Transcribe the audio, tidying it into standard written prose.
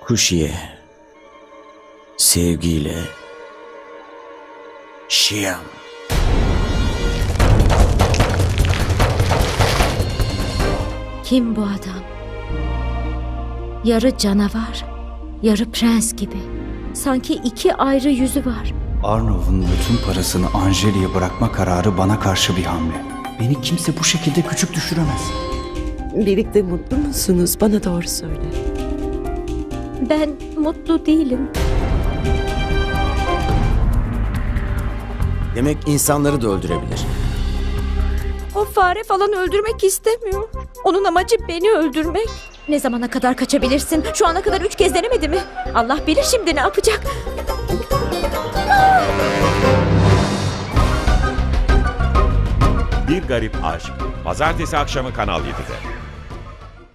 Kuşiye, sevgiyle, Şiyam. Kim bu adam? Yarı canavar, yarı prens gibi. Sanki iki ayrı yüzü var. Arnav'ın bütün parasını Anjeli'ye bırakma kararı bana karşı bir hamle. Beni kimse bu şekilde küçük düşüremez. Birlikte mutlu musunuz? Bana doğru söyle. Ben mutlu değilim. Demek insanları da öldürebilir. O fare falan öldürmek istemiyor. Onun amacı beni öldürmek. Ne zamana kadar kaçabilirsin? Şu ana kadar 3 kez denemedi mi? Allah bilir şimdi ne yapacak. Bir Garip Aşk. Pazartesi akşamı Kanal 7'de.